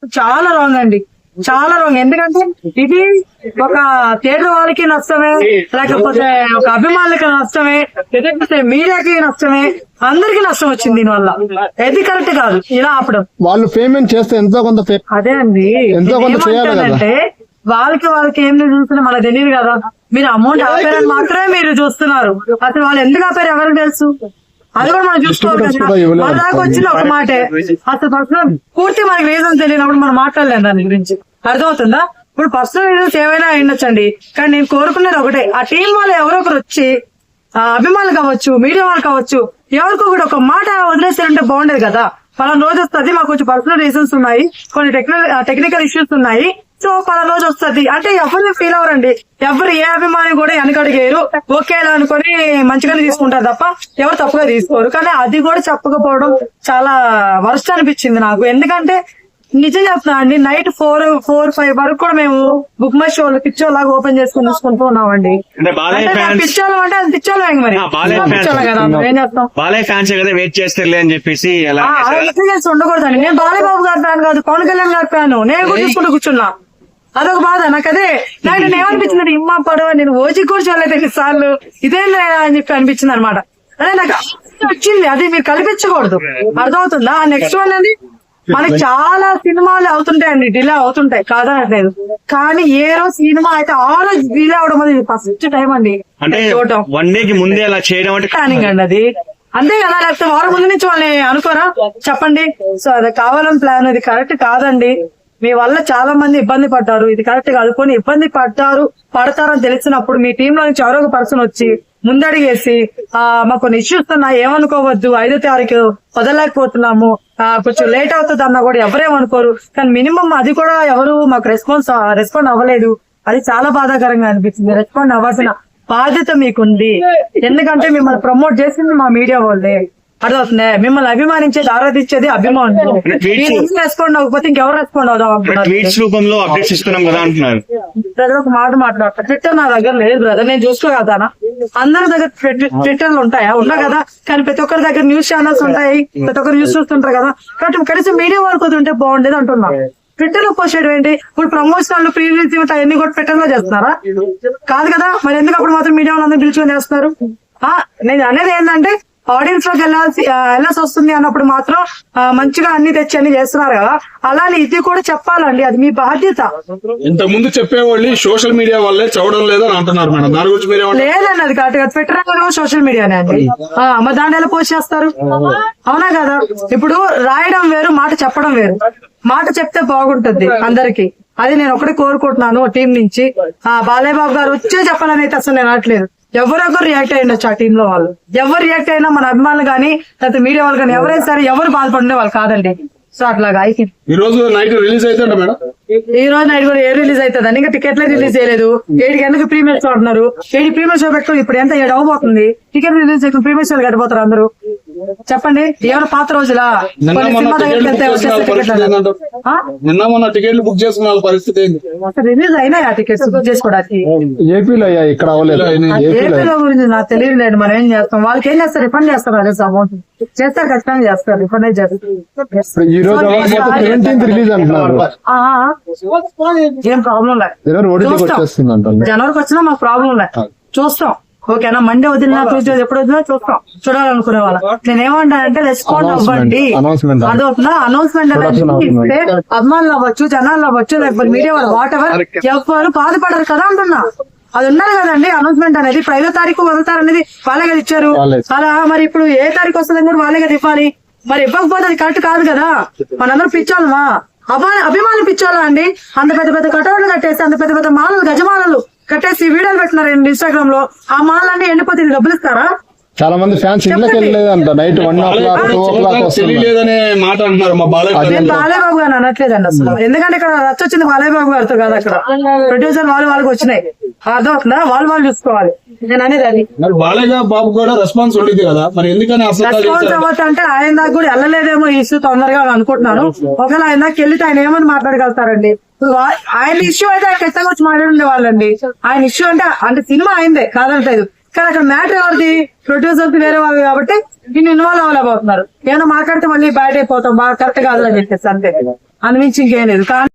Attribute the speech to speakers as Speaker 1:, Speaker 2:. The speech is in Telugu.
Speaker 1: చాలా రాంగ్ అండి, చాలా రాంగ్. ఎందుకంటే ఇది ఒక థియేటర్ వాళ్ళకి నష్టమే, లేకపోతే ఒక అభిమానులకి నష్టమే, లేకపోతే మీడియాకి నష్టమే, అందరికి నష్టం వచ్చింది దీనివల్ల. ఇది కరెక్ట్ కాదు ఇలా ఆపడం.
Speaker 2: వాళ్ళు పేమెంట్ చేస్తే ఎంతో కొంత
Speaker 1: అదే అండి,
Speaker 2: ఎంతో కొంత చేయాలి కదా.
Speaker 1: అంటే వాళ్ళకి ఏం చూస్తున్నా మనకు తెలియదు కదా. మీరు అమౌంట్ ఆపారని మాత్రమే మీరు చూస్తున్నారు, అసలు వాళ్ళు ఎందుకు ఆపారు ఎవరికి తెలుసు, అది కూడా మనం చూసుకోవాలి కదా. మన దాకా వచ్చిన ఒక మాటే, అసలు పర్సనల్ పూర్తి మనకి రీజన్ తెలియనప్పుడు మనం మాట్లాడలేం దాని గురించి. అర్థమవుతుందా? ఇప్పుడు పర్సనల్ రీజన్స్ ఏవైనా అయ్యుండొచ్చండి, కానీ నేను కోరుకునేది ఒకటే, ఆ టీం వాళ్ళు ఎవరో ఒకరు వచ్చి అభిమానులు కావచ్చు, మీడియా వాళ్ళు కావచ్చు, ఎవరికో కూడా ఒక మాట వదిలేస్తారంటే బాగుండేది కదా. పలానా రోజు వస్తుంది, మాకు కొంచెం పర్సనల్ రీజన్స్ ఉన్నాయి, కొన్ని టెక్నికల్ ఇష్యూస్ ఉన్నాయి, సో పలానా రోజు వస్తుంది అంటే ఎవరిని ఫీల్ అవరండి. ఎవరు ఏ అభిమాని కూడా వెనకడిగేరు, ఓకేలా అనుకుని మంచిగానే తీసుకుంటారు తప్ప ఎవరు తప్పుగా తీసుకోరు. కానీ అది కూడా చెప్పకపోవడం చాలా వర్స్ట్ అనిపించింది నాకు. ఎందుకంటే నిజం చెప్తున్నా అండి, నైట్ 4-5 వరకు కూడా మేము బుక్ మై షోలు పిచ్చోల్ లాగా ఓపెన్ చేసుకుని చూసుకుంటూ ఉన్నామండి. పిచ్చోళ్ళు అంటే అది పిచ్చోళ్ళు మరి పిచ్చోళ్ళు కదా, ఏం చేస్తాం.
Speaker 3: బాలయ్య ఫ్యాన్స్ కదా వెయిట్ చేస్తారులే అని చెప్పేసి
Speaker 1: ఉండకూడదండి. నేను బాలయ్య బాబు గారి ఫ్యాన్ కాదు, పవన్ కళ్యాణ్ గారి ఫ్యాన్. నేను కూడా చూసుకుంటూ కూర్చున్నా, అదొక బాధ నాకు. అదే నాకు ఏమనిపించింది, ఇమ్మా పడవ నేను ఓజీ కూడా చూడలేదు ఎన్నిసార్లు, ఇదేం అని చెప్పి అనిపించింది అనమాట. అదే నాకు వచ్చింది, అది మీరు కల్పించకూడదు. అర్థమవుతుందా? నెక్స్ట్ వన్ అది మనకి చాలా సినిమాలు అవుతుంటాయండి, డిలే అవుతుంటాయి కాదనట్లేదు, కానీ ఏ రోజు సినిమా అయితే ఆ రోజు డిలే అవడం అది ఫస్ట్ టైం అండి చూడటం. ప్లానింగ్ అండి అది, అంతే కదా. లేకపోతే వారం ముందు నుంచి వాళ్ళని అనుకోరా చెప్పండి. సో అది కావాలని ప్లాన్, అది కరెక్ట్ కాదండి. మీ వల్ల చాలా మంది ఇబ్బంది పడ్డారు, ఇది కరెక్ట్ కాదు. కొన్ని ఇబ్బంది పడతారని తెలిసినప్పుడు మీ టీంలో నుంచి ఎవరో ఒక పర్సన్ వచ్చి ముందడిగేసి మాకు కొన్ని ఇష్యూస్ ఉన్నాయి, ఏమనుకోవద్దు, 5వ తారీఖు వదలలేకపోతున్నాము, కొంచెం లేట్ అవుతుంది అన్నా కూడా ఎవరేమనుకోరు. కానీ మినిమం అది కూడా ఎవరు మాకు రెస్పాండ్ అవ్వలేదు, అది చాలా బాధాకరంగా అనిపించింది. రెస్పాండ్ అవ్వాల్సిన బాధ్యత మీకుంది, ఎందుకంటే మిమ్మల్ని ప్రమోట్ చేసింది మా మీడియా వాళ్ళే. అర్థమవుతుంది? మిమ్మల్ని అభిమానించేది, ఆరాధించేది అభిమానులు. రెస్పాండ్ అవ్వకపోతే ఇంకెవరు రెస్పాండ్ అవుదాం. బ్రదర్ ఒక మాట మాట్లాడతా, ట్విట్టర్ నా దగ్గర లేదు బ్రదర్, నేను చూసుకోగలుగుతానా? అందరి దగ్గర ట్విట్టర్లు ఉంటాయా? ఉన్నా కదా, కానీ ప్రతి ఒక్కరి దగ్గర న్యూస్ ఛానల్స్ ఉంటాయి, ప్రతి ఒక్కరు న్యూస్ చూస్తుంటారు కదా. కాబట్టి కనీసం మీడియా వరకు ఉంటే బాగుండేది అంటున్నా. ట్విట్టర్ లో పోస్ట్ చేయడం ఏంటి? ఇప్పుడు ప్రమోషన్లు ప్రీ రిలీజ్ ఈవెంట్ అవన్నీ కూడా ట్విట్టర్ లో చేస్తున్నారా? కాదు కదా, మరి ఎందుకు అప్పుడు మాత్రం మీడియా వాళ్ళందరూ పిలుచుకొని చేస్తున్నారు? నేను అనేది ఏంటంటే ఆడియన్స్ లోకి వెళ్ళాల్సి వస్తుంది అన్నప్పుడు మాత్రం మంచిగా అన్ని తెచ్చి అన్ని చేస్తున్నారు కదా, అలానే ఇది కూడా చెప్పాలండి, అది మీ బాధ్యత.
Speaker 4: ఇంత ముందు చెప్పేవాళ్ళు సోషల్ మీడియా వాళ్ళే చదవడం లేదని అంటున్నారు మేడం, దాని గురించి
Speaker 1: లేదండి. అది కరెక్ట్ గా ట్విట్టర్ సోషల్ మీడియానే అండి, మరి దాన్ని ఎలా పోస్ట్ చేస్తారు? అవునా కదా? ఇప్పుడు రాయడం వేరు, మాట చెప్పడం వేరు. మాట చెప్తే బాగుంటుంది అందరికి, అది నేను ఒకటి కోరుకుంటున్నాను టీం నుంచి. బాలయ్య బాబు గారు వచ్చే చెప్పాలని అయితే అసలు నేను అనట్లేదు. ఎవరొకరు రియాక్ట్ అయ్యిండొచ్చు ఆ టీమ్ లో వాళ్ళు, ఎవరు రియాక్ట్ అయినా మన అభిమానులు కానీ లేకపోతే మీడియా వాళ్ళు కానీ ఎవరైనా సరే ఎవరు బాధపడే వాళ్ళు కాదండి. సో అట్లాగా
Speaker 4: ఈ రోజు నైట్ రిలీజ్ అవుతుందా మేడం?
Speaker 1: ఈ రోజు నైట్ కూడా రిలీజ్ అవుతుంది, ఇంకా టికెట్లే రిలీజ్ చేయలేదు. 7 గంటలకు ప్రీమియర్ షో అంటున్నారు, 7 ప్రీమియర్ షో పెట్టుకుని ఇప్పుడు ఎంత 7 అవ్వబోతుంది. టికెట్ రిలీజ్ అయితే ప్రీమియర్ షోలు గడిపోతారు అందరూ. చెప్పండి, ఎవరు పాత రోజులా?
Speaker 4: నిన్న మొన్న టికెట్లు బుక్ చేసుకున్న పరిస్థితి
Speaker 1: రిలీజ్ అయినా టికెట్స్ బుక్ చేసుకోవడానికి
Speaker 2: ఏపీలో ఇక్కడ
Speaker 1: ఏపీలో గురించి నాకు తెలియలేదు. మనం ఏం చేస్తాం, వాళ్ళకి ఏం చేస్తారు, రిఫండ్ చేస్తారు. అదే అమౌంట్ చేస్తారు, ఖచ్చితంగా చేస్తారు, రిఫండ్ అయితే చేస్తారు. ఏం ప్రాబ్లం లేదు, జనవరికి వచ్చినా మాకు ప్రాబ్లం లేదు, చూస్తాం. ఓకేనా? మండే వదిలినా ట్యూస్డే ఎప్పుడు వదిలినా చూస్తాం, చూడాలనుకునే వాళ్ళ. నేనేమంటానంటే రెస్పాండ్ అవ్వండి. అదొకనా అనౌన్స్మెంట్ అనేది ఇస్తే అభిమానులు అవ్వచ్చు, జనాలు అవ్వచ్చు, లేకపోతే మీడియా వాళ్ళు వాట్ ఎవర్ ఎవరు బాధపడరు కదా అంటున్నా. అది ఉండాలి కదండి అనౌన్స్మెంట్ అనేది. ఇప్పుడు 5వ తారీఖు వదులుతారు అనేది వాళ్ళే కదా ఇచ్చారు. అలా మరి ఇప్పుడు ఏ తారీఖు వస్తుందని కూడా వాళ్ళే కదా ఇవ్వాలి. మరి ఇవ్వకపోతే అది కరెక్ట్ కాదు కదా. మనందరూ పిచ్చోళ్ళమా? అభిమానులు పిచ్చోళ్ళ అండి? అంత పెద్ద పెద్ద కటౌట్లు కట్టేసి, అంత పెద్ద పెద్ద మాలలు, గజమాలలు కట్టేసి వీడియోలు పెట్టినారు ఇన్స్టాగ్రామ్ లో. ఆ మాలన్నీ ఎండిపోతే డబ్బులు ఇస్తారా?
Speaker 2: చాలా మంది ఫ్యాన్స్ ఇళ్ళకి వెళ్ళలేదంట, నైట్ 1 o'clock 2 o'clock
Speaker 4: తెలియలేదనే మాట అంటున్నారు. మా
Speaker 1: బాలయ్య బాబు గారు అనట్లేదండి అసలు, ఎందుకంటే ఇక్కడ వచ్చింది బాలయ్య బాబు గారితో కాదు, అక్కడ ప్రొడ్యూసర్ వాళ్ళకి వచ్చినాయి. అర్థమవుతుందా? వాళ్ళు చూసుకోవాలి. నేను అనేది అది.
Speaker 4: బాలయ్య బాబు కూడా రెస్పాన్స్ ఉండేది కదా, మరి ఎందుకని
Speaker 1: రెస్పాన్స్ అవ్వచ్చు అంటే ఆయన దాకా కూడా వెళ్ళలేదేమో ఈ ఇష్యూ తొందరగా అనుకుంటున్నాను. ఒకవేళ ఆయన దాకా వెళ్తే ఆయన ఏమని మాట్లాడగలుగుతారండి? ఆయన ఇష్యూ అయితే ఆయన ఖచ్చితంగా వచ్చి మాట్లాడుండే వాళ్ళండి. ఆయన ఇష్యూ అంటే సినిమా అయిందే కాదంటలేదు, కానీ అక్కడ మ్యాటర్ ఎవరిది? ప్రొడ్యూసర్స్ వేరే వాళ్ళు కాబట్టి దీన్ని ఇన్వాల్వ్ అవ్వలేకపోతున్నారు. ఏమైనా మాట్లాడితే మళ్ళీ బ్యాడ్ అయిపోతాం, బాగా కరెక్ట్ కాదు అని చెప్పేసి అంతే. అందు మించి ఇంకేం లేదు.